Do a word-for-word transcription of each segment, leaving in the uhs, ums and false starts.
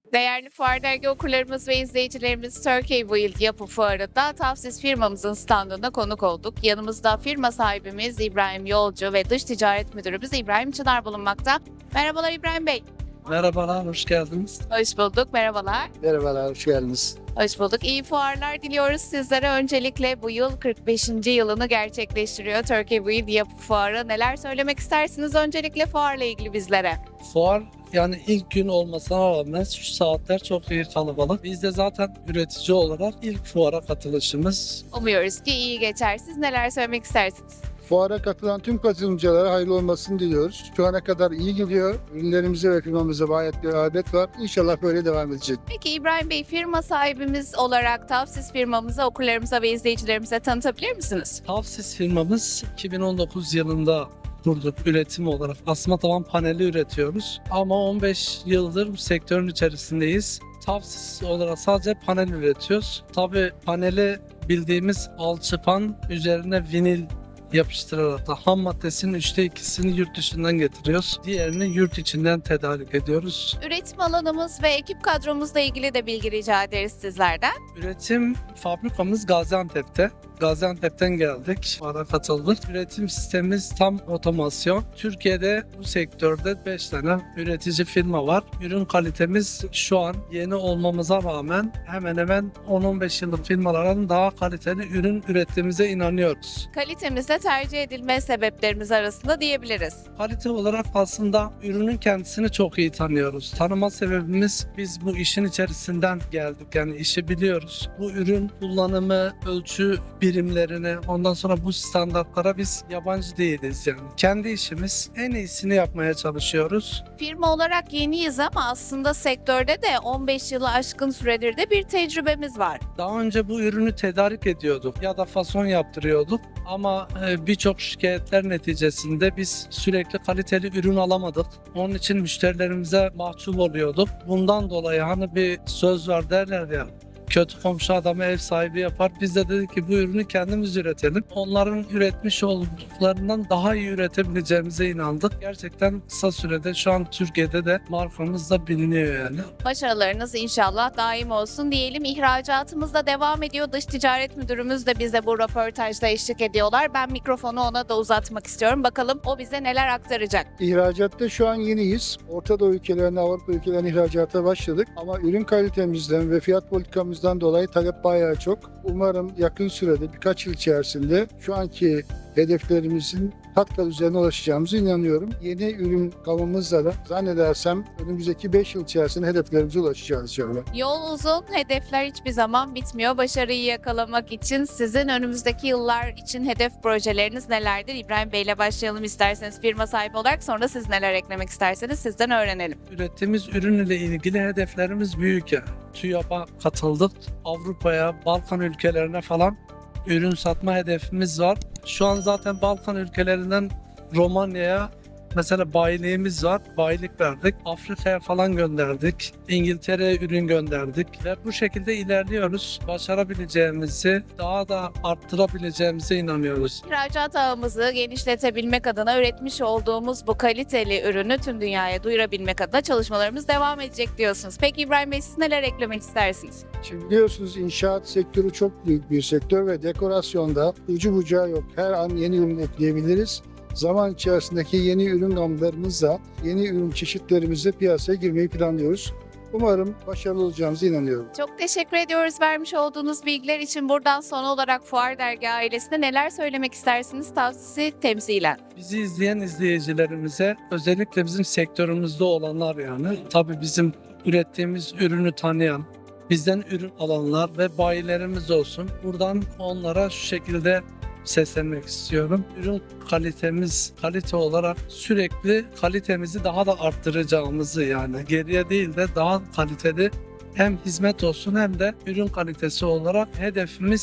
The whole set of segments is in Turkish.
Değerli Fuar Dergi okurlarımız ve izleyicilerimiz, Turkey Build Yapı Fuarı'nda Tavsis firmamızın standına konuk olduk. Yanımızda firma sahibimiz İbrahim Yolcu ve Dış Ticaret Müdürümüz İbrahim Çınar bulunmakta. Merhabalar İbrahim Bey. Merhabalar, hoş geldiniz. Hoş bulduk, merhabalar. Merhabalar, hoş geldiniz. Hoş bulduk. İyi fuarlar diliyoruz sizlere. Öncelikle bu yıl kırk beşinci yılını gerçekleştiriyor Turkey Build Yapı Fuarı. Neler söylemek istersiniz öncelikle fuarla ilgili bizlere? Fuar yani ilk gün olmasına rağmen şu saatler çok iyi kalabalık. Biz de zaten üretici olarak ilk fuara katılışımız. Umuyoruz ki iyi geçer. Siz neler söylemek istersiniz? Fuara katılan tüm katılımcılara hayırlı olmasını diliyoruz. Şu ana kadar iyi gidiyor. Ürünlerimize ve firmamıza gayet bir rağbet var. İnşallah böyle devam edecek. Peki İbrahim Bey, firma sahibimiz olarak Tavsis firmamıza, okurlarımıza ve izleyicilerimize tanıtabilir misiniz? Tavsis firmamız iki bin on dokuz yılında kurduk üretim olarak. Asma tavan paneli üretiyoruz. Ama on beş yıldır bu sektörün içerisindeyiz. Tavsis olarak sadece panel üretiyoruz. Tabii paneli bildiğimiz alçıpan üzerine vinil yapıştırarak da ham maddesinin üçte ikisini yurt dışından getiriyoruz. Diğerini yurt içinden tedarik ediyoruz. Üretim alanımız ve ekip kadromuzla ilgili de bilgi rica ederiz sizlerden. Üretim fabrikamız Gaziantep'te. Gaziantep'ten geldik, fuara katıldık. Üretim sistemimiz tam otomasyon. Türkiye'de bu sektörde beş tane üretici firma var. Ürün kalitemiz şu an yeni olmamıza rağmen hemen hemen on on beş yıllık firmaların daha kaliteli ürün ürettiğimize inanıyoruz. Kalitemizde tercih edilme sebeplerimiz arasında diyebiliriz. Kalite olarak aslında ürünün kendisini çok iyi tanıyoruz. Tanıma sebebimiz biz bu işin içerisinden geldik. Yani işi biliyoruz. Bu ürün kullanımı, ölçü birimlerine, ondan sonra bu standartlara biz yabancı değiliz yani. Kendi işimiz, en iyisini yapmaya çalışıyoruz. Firma olarak yeniyiz ama aslında sektörde de on beş yılı aşkın süredir de bir tecrübemiz var. Daha önce bu ürünü tedarik ediyorduk ya da fason yaptırıyorduk ama e, birçok şikayetler neticesinde biz sürekli kaliteli ürün alamadık. Onun için müşterilerimize mahcup oluyorduk. Bundan dolayı hani bir söz var derler ya, kötü komşu adamı ev sahibi yapar. Biz de dedik ki bu ürünü kendimiz üretelim. Onların üretmiş olduklarından daha iyi üretebileceğimize inandık. Gerçekten kısa sürede şu an Türkiye'de de markamız da biliniyor yani. Başarılarınız inşallah daim olsun diyelim. İhracatımız da devam ediyor. Dış Ticaret Müdürümüz de bize bu röportajda eşlik ediyorlar. Ben mikrofonu ona da uzatmak istiyorum. Bakalım o bize neler aktaracak. İhracatta şu an yeniyiz. Orta Doğu ülkelerine, Avrupa ülkelerine ihracata başladık. Ama ürün kalitemizden ve fiyat politikamızdan dolayı talep bayağı çok. Umarım yakın sürede, birkaç yıl içerisinde şu anki hedeflerimizin kat kat üzerine ulaşacağımıza inanıyorum. Yeni ürün gamımızla da zannedersem önümüzdeki beş yıl içerisinde hedeflerimize ulaşacağız inşallah. Yol uzun, hedefler hiçbir zaman bitmiyor. Başarıyı yakalamak için sizin önümüzdeki yıllar için hedef projeleriniz nelerdir? İbrahim Bey ile başlayalım isterseniz firma sahibi olarak, sonra siz neler eklemek isterseniz sizden öğrenelim. Ürettiğimiz ürün ile ilgili hedeflerimiz büyük ya. TÜYAP'a katıldık. Avrupa'ya, Balkan ülkelerine falan ürün satma hedefimiz var. Şu an zaten Balkan ülkelerinden Romanya'ya mesela bayiliğimiz var. Bayilik verdik. Afrika'ya falan gönderdik. İngiltere'ye ürün gönderdik. Ve bu şekilde ilerliyoruz. Başarabileceğimizi, daha da arttırabileceğimize inanıyoruz. İhracat ağımızı genişletebilmek adına üretmiş olduğumuz bu kaliteli ürünü tüm dünyaya duyurabilmek adına çalışmalarımız devam edecek diyorsunuz. Peki İbrahim Bey, siz neler eklemek istersiniz? Şimdi biliyorsunuz inşaat sektörü çok büyük bir sektör ve dekorasyonda ucu bucağı yok. Her an yeni ürün ekleyebiliriz. Zaman içerisindeki yeni ürün gamlarımızla, yeni ürün çeşitlerimizle piyasaya girmeyi planlıyoruz. Umarım başarılı olacağımıza inanıyorum. Çok teşekkür ediyoruz vermiş olduğunuz bilgiler için. Buradan son olarak Fuar Dergi ailesine neler söylemek istersiniz Tavsisi temsilen? Bizi izleyen izleyicilerimize, özellikle bizim sektörümüzde olanlar yani, tabii bizim ürettiğimiz ürünü tanıyan, bizden ürün alanlar ve bayilerimiz olsun. Buradan onlara şu şekilde seslenmek istiyorum. Ürün kalitemiz, kalite olarak sürekli kalitemizi daha da arttıracağımızı, yani geriye değil de daha kaliteli hem hizmet olsun hem de ürün kalitesi olarak hedefimiz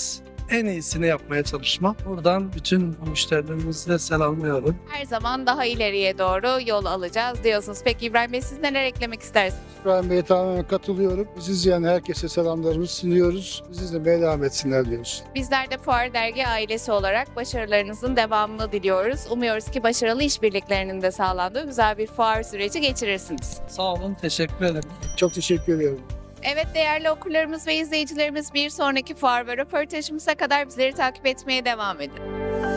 en iyisini yapmaya çalışmak. Buradan bütün müşterilerimizi de selamlıyorum. Her zaman daha ileriye doğru yol alacağız diyorsunuz. Peki İbrahim Bey, siz neler eklemek istersiniz? İbrahim Bey'e tamamen katılıyorum. Bizi izleyen herkese selamlarımızı sunuyoruz. Bizi izlemeye devam etsinler diyoruz. Bizler de Fuar Dergi ailesi olarak başarılarınızın devamını diliyoruz. Umuyoruz ki başarılı işbirliklerinin de sağlandığı güzel bir fuar süreci geçirirsiniz. Sağ olun, teşekkür ederim. Çok teşekkür ediyorum. Evet değerli okurlarımız ve izleyicilerimiz, bir sonraki fuar ve röportajımıza kadar bizleri takip etmeye devam edin.